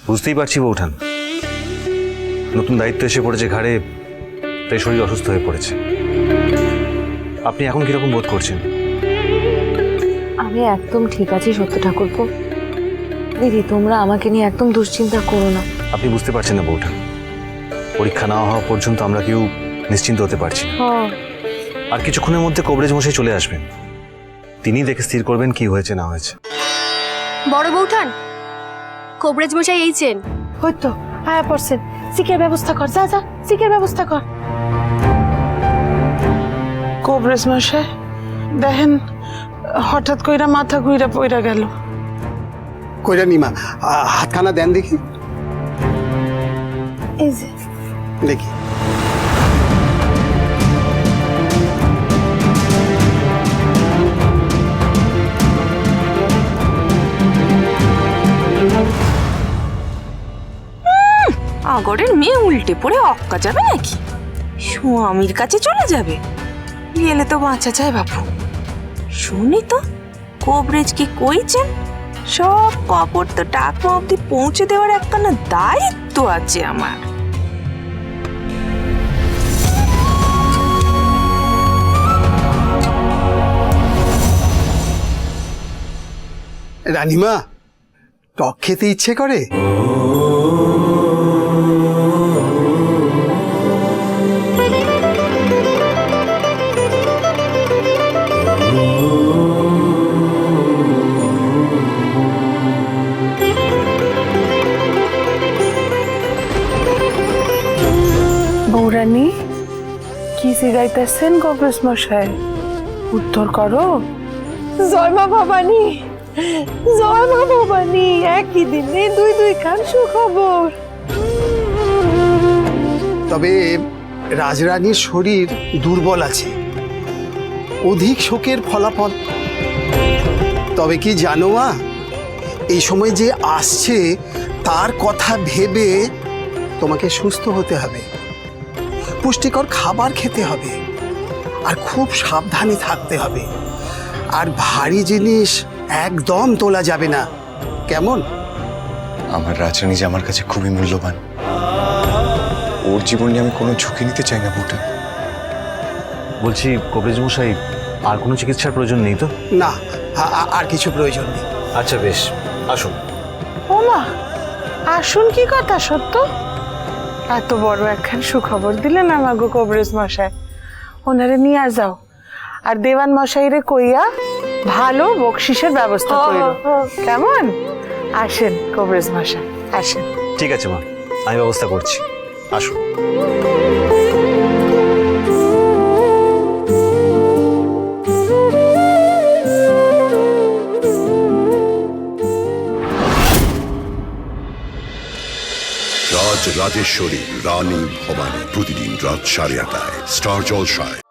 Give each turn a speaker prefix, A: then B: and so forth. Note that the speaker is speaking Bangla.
A: বুঝতেই পারছি বৌঠান, নতুন দায়িত্ব এসে পড়েছে ঘাড়ে, তাই শরীর অসুস্থ হয়ে পড়েছে। আপনি এখন কিরকম বোধ করছেন?
B: আমি একদম ঠিক আছি সত্য ঠাকুরপো। দিদি তোমরা আমাকে নিয়ে একদম দুশ্চিন্তা করো না।
A: আপনি বুঝতে পারছেন না বৌঠান, পরীক্ষা না হওয়া পর্যন্ত আমরা কেউ নিশ্চিন্ত হতে পারছি না। আর কিছুক্ষণের মধ্যে কবরেজ মশাই চলে আসবেন, তিনি দেখে স্থির করবেন কি হয়েছে না হয়েছে।
C: বড় বৌঠান, কবরেজ মশাই এইছেন।
B: হয়তো আয়া পড়ছেন, সিকের ব্যবস্থা কর, যা যা সিকের ব্যবস্থা কর।
D: কবরেজ মশাই দেখেন হঠাৎ কইরা মাথা ঘুইরা পইরা গেল।
E: কইরা নিমা হাতখানা দেন দেখি,
B: এই যে
E: দেখি।
F: আগরের মেয়ে উল্টে পড়ে অক্কা যাবে নাকি? স্বামীর কাছে চলে যাবে? গেলে তো বাঁচা যায় বাপু। শুনি তো কবরেজ কি কইছেন, সব কাপড় তো টাকা অব্দি পৌঁছে দেওয়ার একখানা দায়িত্ব আছে আমার।
E: রানীমা, টক খেতে ইচ্ছে করে?
D: বৌরানী কি জিগাইতেছেন কবরেজ মশাই? উত্তর করো।
B: জয় মা ভবানী, জয় মা ভবানী, একই দিনে দুই দুই খান সুখবর।
E: তবে রাজরানীর শরীর দুর্বল আছে, অধিক শোকের ফলাফল। তবে কি জানো মা, এই সময় যে আসছে তার কথা ভেবে তোমাকে সুস্থ হতে হবে, পুষ্টিকর খাবার খেতে হবে, আর খুব সাবধানে থাকতে হবে। আর ভারী জিনিস একদম তোলা যাবে না, কেমন?
G: আমার রাজরানী যে আমার কাছে খুবই মূল্যবান, ওর জীবন নিয়ে আমি কোনো ঝুঁকি নিতে চাই না বউটা।
A: বলছি কবরেজ মশাই, আর কোনো চিকিৎসার প্রয়োজন নেই তো?
E: না, আর কিছু প্রয়োজন নেই।
A: আচ্ছা বেশ, আসুন।
D: ও মা, আসুন কি কথা সত্য? এত বড় একখান সুখবর দিলেন আমাগো কবরেজ মশাই, ওনারে নিয়ে যাও। আর দেওয়ান মশাইরে কইয়া ভালো বকশিসের ব্যবস্থা করিল, কেমন? আসেন কবরেজ মশাই, আসেন।
A: ঠিক আছে মা, আমি ব্যবস্থা করছি, আসুন।
H: রাজ রাজেশ্বরী রানী ভবানী, প্রতিদিন রাত 8:30 স্টার জলসায়।